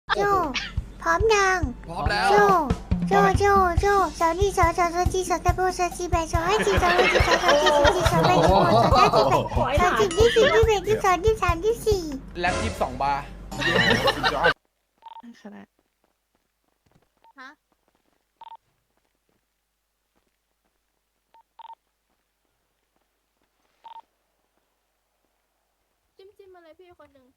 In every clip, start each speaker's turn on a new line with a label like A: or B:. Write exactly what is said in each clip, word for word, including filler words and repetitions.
A: โจพร้อมยัง
B: พร้อมแล้ว
A: โจโจโจโจสาวนี่สาวสาวสาวจีสาวตะโบสาวจีแบสาวให้จีสาวให้จีสาวสาวจีสาวจีสาวแบสาวสาวจีแบสาวจีที่สี่ที่แบที่สองที่สามที่สี่
B: แล็บยี่สิบสองบาร์
C: คณะ
D: ฮะจิ้มจิ้มมาเลยพี่คนหนึ่ง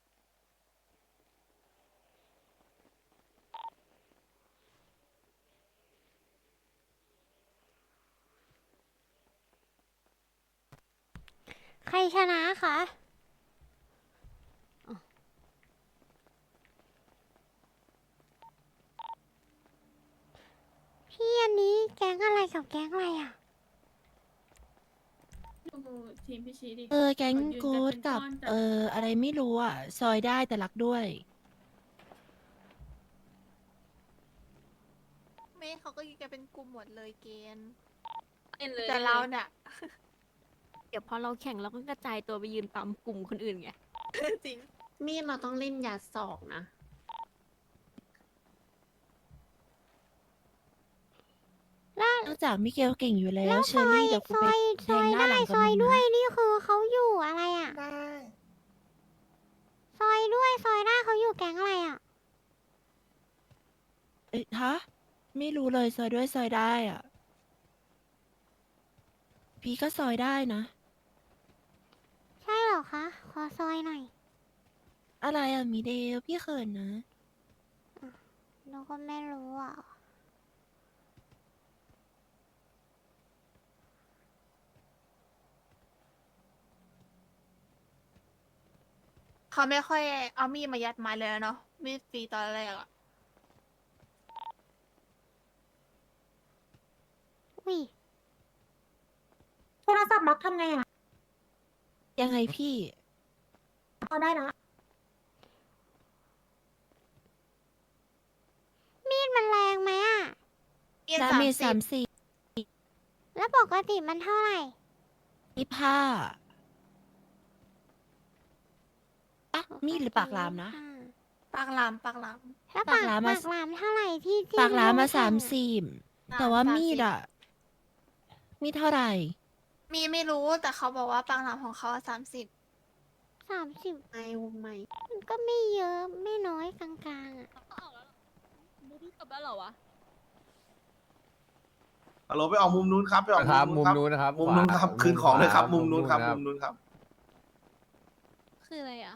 A: ใครชนะคะพี่อันนี้แก๊งอะไรกับแก๊งอะไรอ่ะ
D: ดูทีมพี่ชีดิ
C: เออแก๊งกู๊ดกับ เอออะไรไม่รู้อ่ะ ซอยได้แต่รักด้วย
D: เมย์เขาก็ยิงกันเป็นกลุ่มหมดเลยเกณฑ์
E: เลย
D: แต่เราเนี่ย
E: เดี๋ยวพอเราแข่งเราก็กระจายตัวไปยืนตามกลุ่มคนอื่นไง
D: จริง
F: มีดเราต้องเล่นยาศอกนะ
C: นอกจากมิเกลเก่งอยู่แล้
A: แล้ว ว
C: เช
A: ซ
C: อ
A: อย
C: รี่เดี๋ยวกู
A: ซ
C: ไป
A: อย
C: แท
A: ซอง ย
C: หน้า
A: ได้
C: หลัง
A: ซ
C: กับ
A: อย
C: มึง
A: ด้วย
C: นะ
A: นี่คือเขาอยู่อะไรอ่ะ
B: ได้
A: ซอยด้วยซอยได้เขาอยู่แก๊งอะไรอ่ะ
C: เอ้ยฮะ ไม่รู้เลยซอยด้วยซอยได้อ่ะ พี่ก็ซอยได้นะ
A: ใช่เหรอคะ ขอซอยหน่อย
C: อะไรอ่ะมีเดลพี่เขินนะ
A: เราก็ไม่รู้อ่ะ
D: เขาไม่ค่อยเอามีดมายัดไม้เลยเนาะมีดฟรีตอนแรกอะ
A: อุ้ย
G: โทรศัพท์ล็อกทำไงอ่ะ
C: ยังไงพี่
G: เอาได้นะ
A: มีดมันแรงไหมอ่ะ
D: มีด
C: ดา
D: สาม
C: เมจ
D: สิ
C: สา
D: บ
C: มสี่
A: แล้วปกติมันเท่าไหร่
C: ยี่ห้าอะมีดหรือปากลามนะ
D: ปากหลามปากหลาม
A: แล้ว
C: ปา
A: ปาก ก
C: หลาม
A: ปา
C: มา
A: กหลามเท่าไหร่ที่ที่
C: ปากลามมา
A: เร
C: สาม
A: แข่ง
C: สี่
D: อ่า
C: แต่ว่า
D: สาม
C: มีด
D: สิบ
C: อ่ะ มีดเท่าไหร่
D: มีไม่รู้แต่เขาบอกว่าปากหลามของเขาสามสิบ
A: สามสิบ
F: ไอวงไหม
A: มันก็ไม่เยอะไม่น้อยกลางๆอ่ะ
E: บูบี้กลับแล้วเหรอวะ
H: ฮัลโหลไปออกมุมนู้นครับไปออก
B: ครับมุ
H: มุ
B: ม
H: ม
B: นู้
H: นู้
B: น
H: น
B: นะครับ
H: มุมนู้นครับ
B: ขวา
H: คืนของเลยครับ
B: มุ
H: มุ
B: ม
H: ม
B: นู้
H: นู้
B: น
H: น
B: ค
H: ค
B: รั
H: รับ บมุมนู้นครับ
E: คืออะไรอ่ะ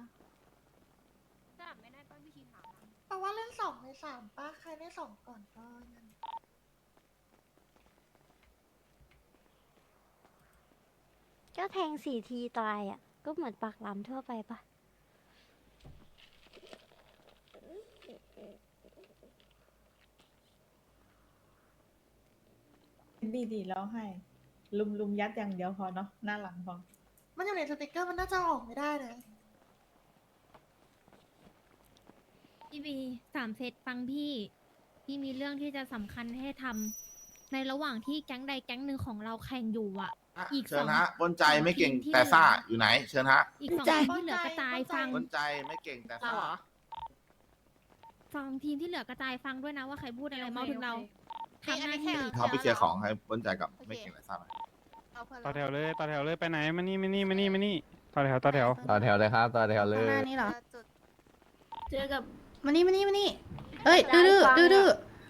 G: แปลว่าเล่นสองในสามป้าใครได้สองก่อนก็นั่น
A: ก็แทงสี่ทีตายอ่ะ ก็เหมือนปากหลามทั่วไปปะ
I: ดีดีแล้วให้ ลุมลุมยัดอย่างเดียวพอเนาะหน้าหลังพอ
G: มันอยู่ในสติกเกอร์มันน่าจะออกไม่ได้นะ
J: พี่บีสามเซตฟังพี่ พี่มีเรื่องที่จะสำคัญให้ทำในระหว่างที่แก๊งใดแก๊งหนึ่งของเราแข่งอยู่อ่ะ อีก
H: เชิ
J: ส
H: ญ
J: อง
H: ฮะปนใจไม่เก่ง
J: ทีมที่
H: แต่ซ่า
J: เหลือ
H: อ ยู่ไหน เชิญฮะ
J: อีกสอง
C: ใจ
J: ทีมที่เหลือกระจายฟัง
H: ปนใจไม่เก่งแต่
F: เรา
H: ซ่า
F: เหรอ
J: ฟังทีมที่เหลือกระจายฟังด้วยนะว่าใครพูดอะไรเมาถึงเราทำหน้าที่
H: เขาไปเคลียร์ของให้ปนใจกับไม่เก่งแต่ซ่าหน่อย
D: เอาเพื่อน
K: ต่อแถ
D: เรา
K: วเลยต่อแถวเลยไปไหนมานี่มานี่มานี่มานี่ต่อแถวต่อแถว
B: ต่อแถวเลยครับต่อแถวเล
G: ข้างหน้าย นี่เหรอ
D: จุด
E: เจอกับ
G: มานี่มานี่มานี่ เอ้ย ดื้อดื้อดื้อดื้อ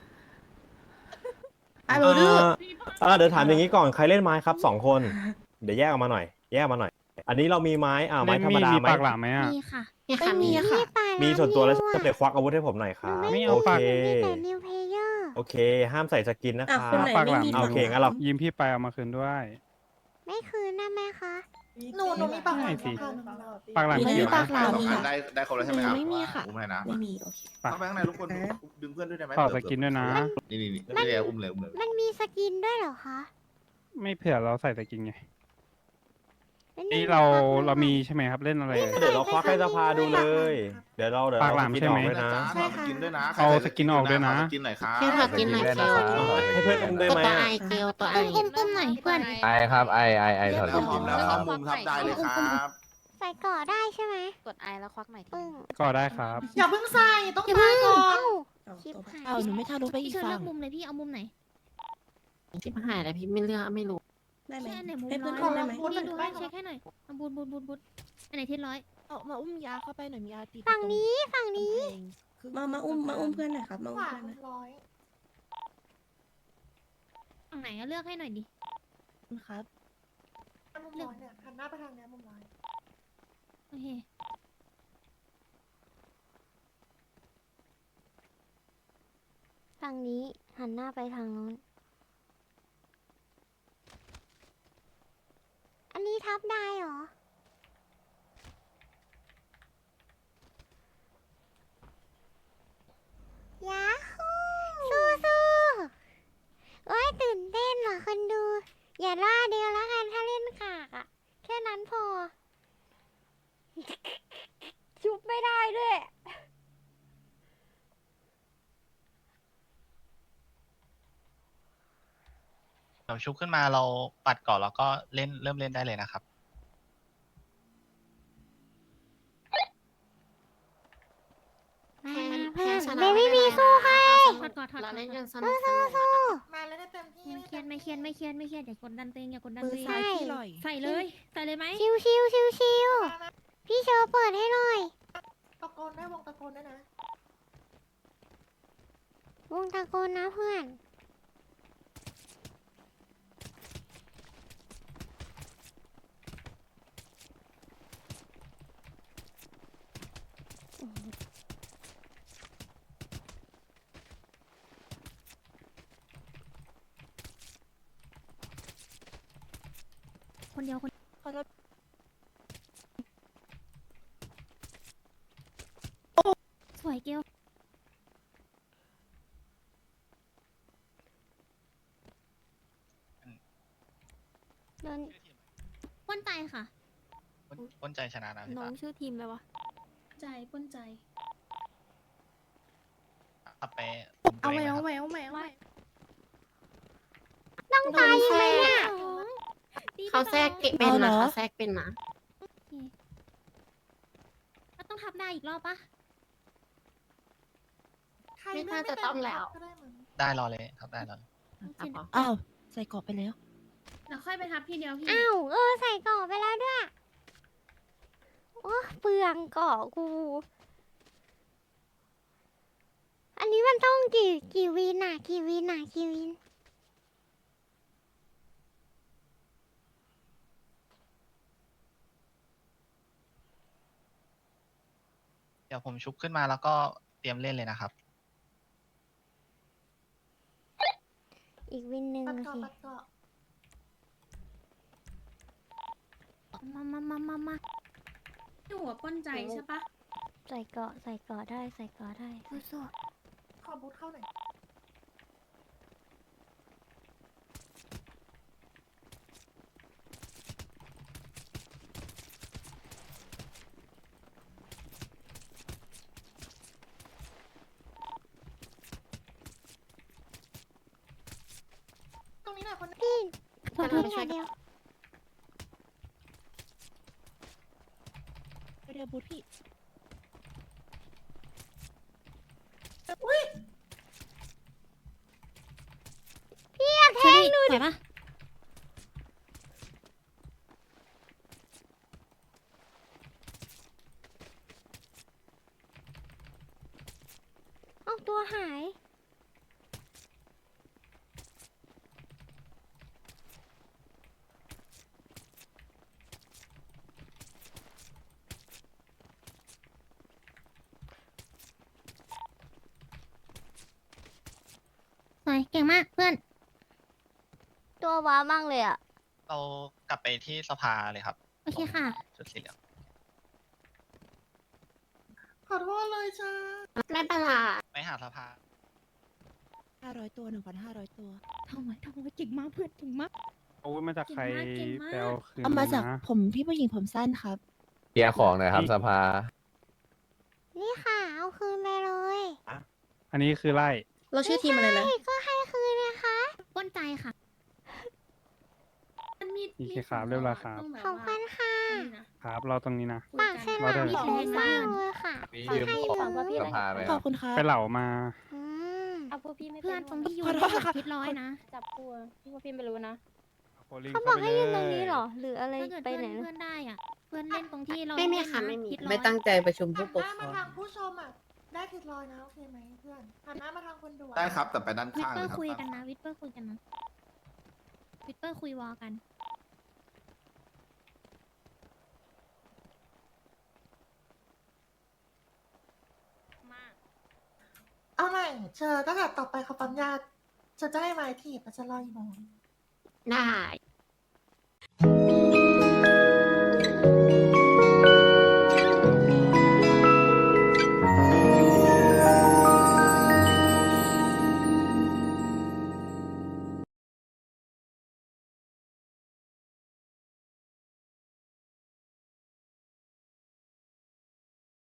G: ไอ้บูดื้อ
L: เออเดี๋ยวถามอย่างนี้ก่อนใครเล่นไม้ครับสองคน เดี๋ยวแยกออกมาหน่อย แยกออกมาหน่อย อันนี้เรามีไม้อ่าไม้
K: เล่น
L: ธรร
K: มี
L: ม
K: ด
L: ดา
K: มี
L: ไหม
K: ปากหลามไหมอ่ะ
J: มีค่ะ
F: มีค่ะ
C: ไม่มี
F: มี
C: ค่ะ
A: ปากหลาม
L: มีส่วนตัวแล้ว
A: นิ้
L: จะ
A: อะ
L: เด็กควักอาวุธให้ผมหน่อยครับ
K: ไม่
L: โอ
K: เอา
L: เค
K: ปาก
A: มีแต่นิวเพเยอร์
L: โอเค ห้ามใส่สกินนะค
I: อ่ะ
L: รับ
I: คนไหน
K: ปากหลาม
I: ไม่มี
L: โอเคงั้นเรา
K: ยิ้มพี่ไปเอามาคืนด้วย
A: ไม่คืนได้ไหมคะ
G: หนูหนูมีปากหลาม
K: ไม่สิ
G: ค่ะ
K: ปากหลาม
C: มี
K: เขียว
C: ปากหลาม
H: สองอันได้ได้ครบแล้วใช่ไหมครับ
C: ไม่มีค่ะ
H: อุ้มให้นะ
F: ไม่มี โอเค
H: เข้าไปข้างในทุกคนดึงเพื่อนด้วยได้ไหม
K: ต่อสกินด้วยนะ
H: นี่นี่นี่ไม่ได้อุ้มเลยอุ้มเลย
A: มันมีสกินด้วยเหรอคะ
K: ไม่เผื่อเราใส่สกินไง
A: ไม่มี
K: นี่เรา
A: ปกหล
K: เรามีใช่ไหมครับเล่นอะไร
L: เดี๋ยวเราควักให้สภาดูเลย เดี๋ยวเราเดี๋ยว
K: ปาก
L: เรา
K: หลาม
L: สกิน
K: ใช่
L: อ
K: ไห
L: อ
K: ม
L: กด้วยนะ
H: ใช่ค่ะสกินด้วยนะ
K: เอาสกินออกด้วยนะ
H: ขสกินหน่อยครับ
F: เที่ยวถัดกินหน่อย
B: สกินด้วยนะครับ
L: ให้เพื่อนอุ้มด้วยไหม
F: ตัว
L: อะ
F: ไอเกลตัวไอ
J: อุ้มอุ้มหน่อยเพื่อน
B: ไอครับไอไอไอถอด
H: แล้ว
B: ส
H: พร้
B: กิ
H: อม
B: น
H: แล้ว
B: นะค
H: เข้า
B: รับ
H: มุมทับได้เลยครับ
A: ใส่ก่อได้ใช่ไหม
E: กดไอแล้วควักหน่อย
A: ปึ้ง
K: ก็ได้ครับ
G: อย่าเพิ่งใส่ต้อง
J: อย่า
G: ตา
J: เพิ่ง
G: ย
C: เอาหนูไม่ทะลุไปอี
J: พี่
C: ก
J: เชิญ
C: ฝั่
J: เลื
C: ง
J: อกมุมเลยพี่เอามุมไหน
F: ชิบหายแล้วพี่ไม่เลือกไม่รู้
J: ได้ไหมอันไหนมุม
G: ให้
J: ร้
G: เพื่
J: อ
G: อน
J: ย
G: ได้ไหม
J: พี่ดูให้เช็คให้หน่อยเอาบูดบูดบูดบูดอันไหนที่ร้อย
C: เอามาอุ้มยาเข้าไปหน่อยมียาติด
A: ฝั่งนี้ฝั่งนี้
C: มามาอุ้มมาอุ้มเพื่อนหน่อยครับมา
G: ข
C: อุ้ม
G: วา
C: เพื่อน
G: มุ
C: นะ
G: มร้อย
J: ฝั่งไหนอะเลือกให้หน่อยดิ
C: ครับ
G: มุมร้อยเนี่ยหันหน้าไปทางเนี้ยมุมร้อย
J: โอเคฝั่งนี้หันหน้าไปทางนู้นอันนี้ทับได้เหรอยาฮูสู้สู้โอ้ยตื่นเต้นเหรอคนดู อย่าล่าเดียวแล้วกันถ้าเล่นขากอะแค่นั้นพอ ชุบไม่ได้ด้วย
M: เราชุบขึ้นมาเราปัดก่อนแล้วก็เล่นเริ่มเล่นได้เลยนะครับ
F: แพ้แพ้ชนะ
A: เบบี้บีสู้ให้
J: ถอดก่อนถอด
F: เรา
J: ก่อน
F: เล่น
J: ถ
F: กั
J: อด
F: นสนุกสนุก
G: มาเลยได้เต็มที่
J: ไม่เครียดไม่เครียดไม่เครียดไม่เครียดอย่ากดดันตัวเองอย่ากดดัน
C: มื
J: ตั
C: อ
J: วเอง
C: ซ้ายที่ลอย
J: ใส่เลย ใส่เลยไหม
A: ชิวชิวชิวชิว
G: มานะ
A: พี่เชอร์เปิดให้หน่อย
G: ตะโกนได้วงตะโกนได้นะ
A: วงตะโกนนะเพื่อน
J: คนเดียวคน
C: ขอโทษ
J: สวยเกลเดินป้นใจค่ะ
M: ป้นป้นใจชนะนะพี่
E: น้อ
M: ตาง
E: ชื่อทีมเลยวะ
J: ใจป้นใจ
M: ขับไปอุ้มตัว
J: เอา
M: เอ
J: ไว้
M: งนะค
J: เอา
M: รับ
J: ไว้เอาไว้เอาไว้
A: ต้องตายไหมเนี่ย
F: เขาแทรกเป็นนะเขาแทรกเป็นนะ
J: ก็ต้องทับได้อีกรอบปะ
G: ใคร
F: ไม่
G: เลื
F: น่า
G: อก
F: จะ
G: ไม่
F: ต้อง
G: เต็ม
F: แล้ว
G: ก็ได้มั้ง
M: ได้รอเลยครับได้รอเลย
F: ครับผม
C: อ้าวใส่เกรอบไปแล้ว
J: เดี๋ยวค่อยไปทับทีเดียวพี่
A: อ้าว เออ ใส่เกาะไปแล้วด้วย โอ้เปลืองเกาะกู อันนี้มันต้องกี่กี่วินอ่ะ กี่วินอ่ะ กี่วิน
M: เดี๋ยวผมชุบขึ้นมาแล้วก็เตรียมเล่นเลยนะครับ
A: อีกวินหนึ่ง
G: ปัด
A: โอ
G: เกาะ
A: เค
G: ปัดเกาะ
J: มามามามามาที่หัวป้นใจใช่ปะ
A: ใส่เกาะ ใส่เกาะได้ ใส่เกาะได้สู้
G: ขอบูทเข้าหน่อย ตรงนี้หน่อยคน
A: ๆพี่ขอโทษ
F: ไปช่
A: ค่ะ
F: วย
A: เดียว
C: เดี๋ยวบูธพี่
A: พี่อยากแทงหนู
J: สวยปะ
A: เอาตัวหาย
J: สวยเก่งมากเพื่อน
A: ตัวว้ามั่งเลยอ่ะ
M: เรากลับไปที่สภาเลยครับ
J: โอเคค่ะ
M: ชุดสีเหลือง
G: ขอโทษเลยจ้า
F: ไม่เป็นไร
M: ไปหาสภา
C: ห้าร้อยตัวหนึ่งพันห้าร้อยตัว
J: ทำไมทำไมเก่งมากเพื่อนเก่งมาก
K: อาวุธมาจากใคร
J: เก่งมาก
K: ไปเอาคืน
C: เอามาจาก
K: นะ
C: ผมพี่ผู้หญิงผมสั้นครับ
B: เคลียร์ของหน่อยครับสภา
A: นี่ค่ะ เอาคืนไปเลย
K: อันนี้คือไล่
C: เราชื่อทีมอะไรนะ
A: ใช่ก็ให้คืนนะคะ
J: ป้นใจค่ะ มันมี
K: โอเคครับเรียบร้อยครับ
A: ขอบคุณค่ะ
K: ครับเราตรงนี้นะ
A: ปากใช่ไหม
K: เราได้
A: มีแรงมากเลยค่ะ
B: มียืมของสภาไหมค
C: ข
B: รั
C: อบบ คุณครับ
K: ไปเหล่ามา
A: อืม
E: วกพี่ไม่
J: เพื่อนตรงที่อยู่
C: ขอโทษค่ะ
J: คิดร้อยนะ
E: จับตัวพี่พวกพี่ไม่รู้นะ
K: โคลิง
E: เขาบอกให้ยืนตรง
K: เข้าไป
E: นี้
K: เลย
E: เหรอ หรืออะไร
J: ถ้าเกิด
E: ไป
J: เพื่อน
E: ไหนนะ
J: เพื่อนได้อ่ะ เพื่อนเล่นตรงที่เรา
F: ไม่มี
J: เล่น
F: ค่ะ
J: น
F: ไม่มี
J: คิดร้อย
N: ไม่ตั้งใจประชุม
G: หั
N: ผู้
G: น
N: ป
G: ห
N: ก
G: น้า
N: ค
G: มาร
N: อง
G: ทางผู้ชมอ่ะ ได้ทิศลอยนะ โอเคไหมเพื่อนหันหน้ามาทางคนดูอะ
H: ได้ครับแต่ไปด้าน
J: วิท
H: ข้าง
J: เปอ
H: นะ
J: ร์
H: ครับ
J: คุยกันนะ วิทเปอร์คุยกันนะ วิทเปอร์คุยวอลกัน
G: เอาใหม่เจอตั้งแต่ต่อไปเขาปั๊มยาเธอจะให้ไม้ถีบอะจะรออีกโมง
F: ได้